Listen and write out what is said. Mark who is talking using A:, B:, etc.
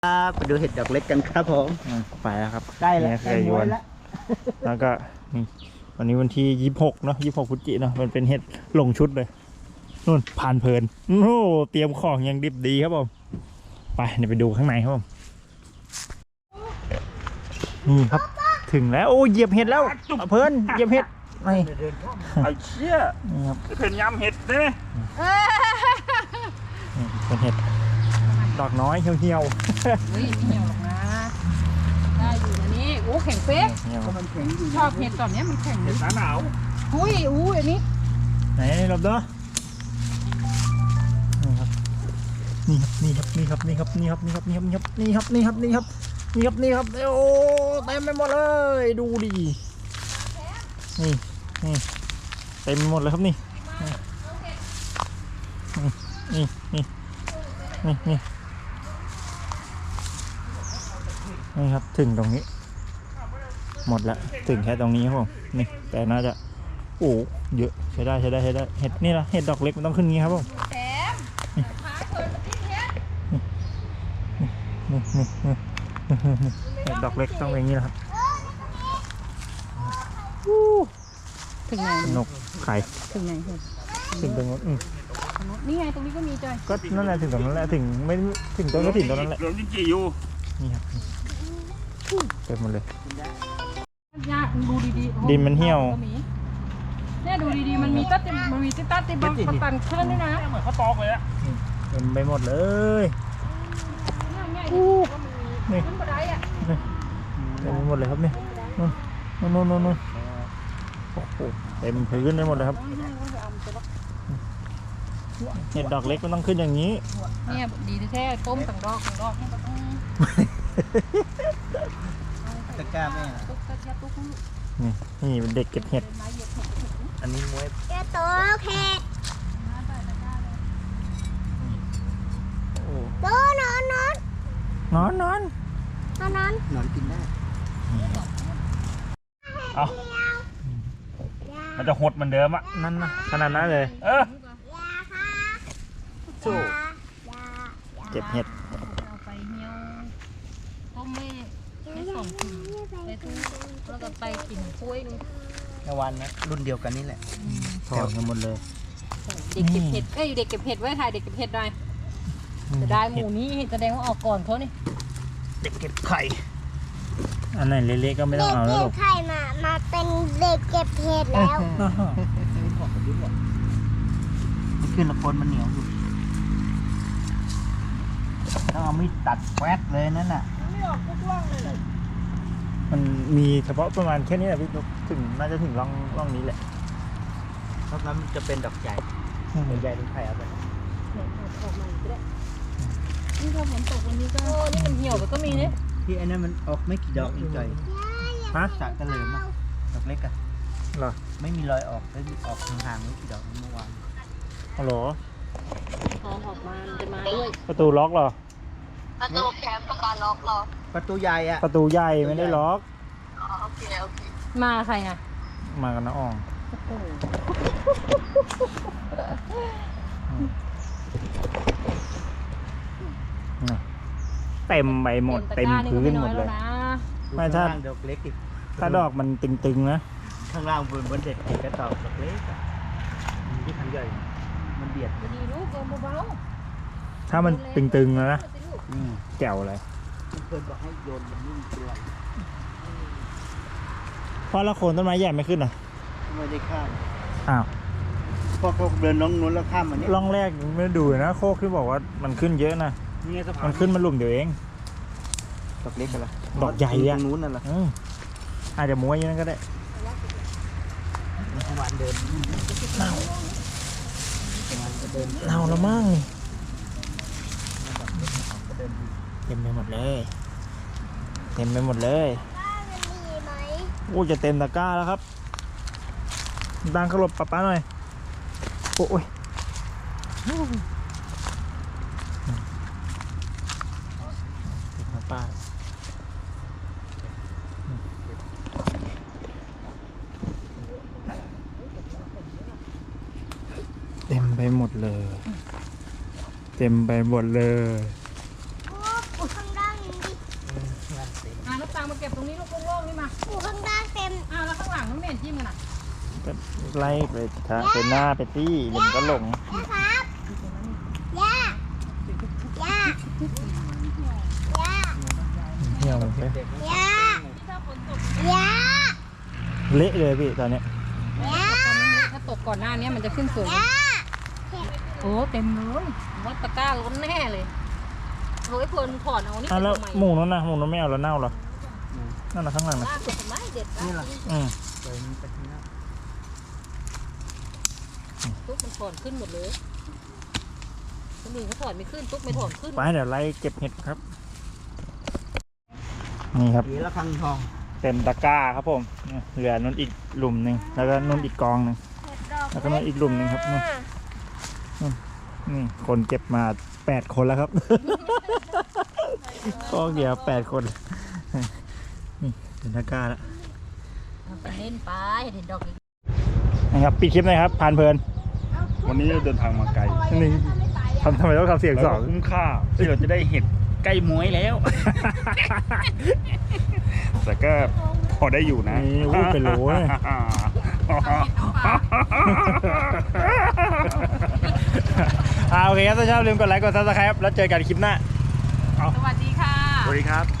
A: ไปดูเห็ดดอกเล็กกันครับผม
B: ไปแล้วครับ
A: ใกล้แล้ว
B: เคยยวนแล้วก็นี่วันนี้วันที่26เนาะ26พฤศจิกเนาะมันเป็นเห็ดลงชุดเลยนู่นผ่านเพลินโอ้เตรียมของยังดิบดีครับผมไปเดี๋ยวไปดูข้างในครับผมนี่ครับถึงแล้วโอ้เหยียบเห็ดแล้วเพลินเหยียบเห็ดนี่
C: ไอ้เชี่ย
B: นี่ครับ
C: เป็นยำเห็ดได้ไหม
B: เป็นเห็ดดอกน้อยเหี่ยว
D: เฮ้ยไม่เหี่ยวหรอกนะได้อยู่นะนี่โอ้แข็งเป๊ก
B: เหี่ยว
A: มันแข็งอยู่
D: ชอบเห็ดตอนนี้มันแข็ง
C: เห็ดหนาว
D: อุ้ยอันนี้
B: ไหนหลบเด้อนี่ครับนี่ครับนี่ครับนี่ครับนี่ครับนี่ครับนี่ครับนี่ครับนี่ครับนี่ครับนี่ครับนี่ครับโอ้เต็มไปหมดเลยดูดินี่นี่เต็มไปหมดเลยครับนี่นี่นี่นี่นี่นี่ครับถึงตรงนี้หมดแล้วถึงแค่ตรงนี้ครับผมนี่แต่น่าจะโอ้เยอะใช้ได้เห็ดนี่ละเห็ดดอกเล็กมันต้องขึ้นงี้ครับผม
D: แถมพาเธอมาที่เนี้ย
B: เห็ดดอกเล็กต้องเป็นอย่างนี้นะครับ
D: ถึงไหน
B: นกไข่
D: ถึงไหน
B: ถึงตรงนู้น
D: นี่ไงตรงนี้ก็มีจอย
B: ก็นั่นแหละถึงตรงนั้นแหละถึงไม่ถึงต้นก็ถึงตรงนั้นแหละ
C: เหลืองจริงๆอยู่
B: นี่ครับเต็มหมดเลย
D: ยากดูดีๆ
B: ดินมันเหี่ยว
D: เนี่ยดูดีๆมันมีตัดติบังตันขึ้นด้วยนะ
C: เหมือนข้าวตอกเลยอะ
B: เต็มไปหมดเลย
D: นี่ขึ้นบันไดอ่ะ
B: เต็มไปหมดเลยครับนี่นู่นโอ้โหเต็มพื้นไปหมดเลยครับเห็ดดอกเล็กมันต้องขึ้นอย่างนี้
D: เนี่ยดีแท้ต้มต่างดอกนี่ก็ต้อง
A: ตะกร้าแม่
B: นี่เป็นเด็กเก็บเห็ด
A: อันนี้มวย
E: จะโตเห็ดโตนอน
B: นอน
A: กินได้
C: เอามันจะหดเหมือนเดิมอะ
B: นั่นนะขนาดนั้นเลย
E: สู้
B: เก็บเห็ด
D: เอาไปเหี่ยวต้มไม่ส่งถึงไปตู้แล้วก็ไปกินกล้วยนึง
A: ในวันนะรุ่นเดียวกันนี่แหละ
B: ถอนกันหมดเลย
D: เด็กเก็บเห็ดเด็กเก็บเห็ดไว้ถ่ายเด็กเก็บเห็ดหน่อยจะได้หมูนี้แสดงว่าออกก่อนเขานี่
B: เด็กเก็บไข่อันไหนเล็กๆก็ไม่ต้องเอาแล้วหรอก
E: ไข่มาเป็นเด็กเก็บเห็ดแล้ว
A: มันขึ้นละคนมันเหนียวอยู่ต้องเอามีดตัดแควดเลยนั่นน่ะ
B: มันมีเฉพาะประมาณแค่นี้แหละพี่ถึงน่าจะถึงร่องนี้แหละ
A: เพราะนั้นมันจะเป็นดอกใหญ่ใหญ่เป็นไข่เอาไป
D: ออกมาก็ได้นี่พอฝนตกวันนี้ก็นี่มันเหี่ยวก็มีเนี่ย
A: ที่อันนั้นมันออกไม่กี่ดอกอีกจ่อย
B: ฮะ
A: จากกระเหลิมอะดอกเล็กอะ
B: เหรอ
A: ไม่มีรอยออกแล้วออกห่างๆไม่กี่ดอกเมื่อวาน
B: ฮัลโหล
D: พอออกมาจะมาด้วย
B: ประตูล็อกเหรอ
E: ประตูแคมป์ประกันล็อกหรอ
A: ประตูใหญ่อะ
B: ประตูใหญ่ไม่ได้ล็อก
E: โอเค
D: มาใครอ่ะ
B: มากันนะอ่องเต็มไปหมดเต็มพื้นหมดเลยไม่ถ้า
A: ดอกเล็กอีก
B: ถ้าดอกมันตึงๆนะ
A: ข้างล่างบนเด็ดกระตอกดอกเล็กอะที่ทางใหญ่มันเบียด
D: ดีลูกเบา
B: ถ้ามันตึงๆนะแจ๋วเลย
A: เพื่อนบอกให้โยนมันนิ่งเป็นไร
B: เพราะละโคนต้นไม้ใหญ่ไม่ขึ้นเหรอ
A: ไม่ได้ข้าม
B: อ้าว
A: พอเขาเดินน้องนู้นแล้วข้ามมันนี่
B: ร่องแรกไม่ดูนะโคกที่บอกว่ามันขึ้นเยอะนะมันขึ้นมาหลุมเดียวเอง
A: ดอกเล็กกันละ
B: ดอกใหญ่อะ
A: ตรงนู้นนั่นแหละ
B: อาจจะม้วนอย่างนั้นก็ได้
A: หวานเดิน
B: เน่าละมั่งเต็มไปหมดเลยโอ้จะเต็มตะกร้าแล้วครับดังขลบป้าหน่อยโอ้ยป้าเต็มไปหมดเลย
E: ข้างล่าง
D: ตรงนี้ลูกโล่งๆนี่มา
E: อยู่ข้างล่างเต็ม
D: อ้าวแล้วข้างหลังมันไม่เห็นจิ้มกันอ่ะ
B: ก็ไล่ไปทางเป็นหน้าไปตี้เดี๋ยวมันก็หลง
E: นะครับย่าย่าย่า
B: เที่ยวมันไป
E: ย่าย่า
B: เละเลยพี่ตอนเนี้ย
E: ย่า
D: ถ้าตกก่อนหน้านี้มันจะขึ้นสูง
E: ย่า
D: โอ้เต็มเลยวัดตะกร้าล้นแน่เลยโอ้ยเพลินถอนเอานี่
B: อ่ะ
D: ไป
B: แล้ว
D: ทำไม
B: หมูนั้นนะหมูนั้นไม่เอาแล้วเน่าเหรอนั่นนะข้างหลังนะ
D: ลากไปทำไมเด็ด
A: นี่ล่ะ
B: อืม
A: ไปมันไปข้างหน้า
D: ตุ๊กมันถอนขึ้นหมดเลยคนอื่นเขาถอนไม่ขึ้นตุ๊กไม่ถอนขึ้น
B: ไปเดี๋ยวไล่เก็บเห็ดครับ นี่ครับ
A: ปีละครั้งทอง
B: เต็มตะกร้าครับผมเนี่ยเหลือนุ่นอีกหลุมหนึ่งแล้วก็นุ่นอีกกองหนึ่งแล้วก็นุ่นอีกหลุมหนึ่งครับนู่นนี่คนเก็บมา8 คนแล้วครับ กองเดียว8 คนนี่เต็มตะกร้าแล้ว
D: เอาไปเล่นไปเห็นดอกอีก
B: นะครับปิดคลิปหนะครับผ่านเพลิน
C: วันนี้เราเดินทางมาไกล
B: นี่ทำไมต้องทำเสียง
C: แล้ว
B: สอ
C: ก็
B: ง
C: คุ้มค่าที่เราจะได้เห็ดใกล้ม้วยแล้ว แต่ก็พอได้อยู่นะ
B: นี่อู้เป็นโหลเลย โอเคครับถ้าชอบลืมกดไลค์กดซับสไครป์แล้วเจอกันคลิปหน้า
D: สวัสดีค่ะ
C: สวัสดีครับ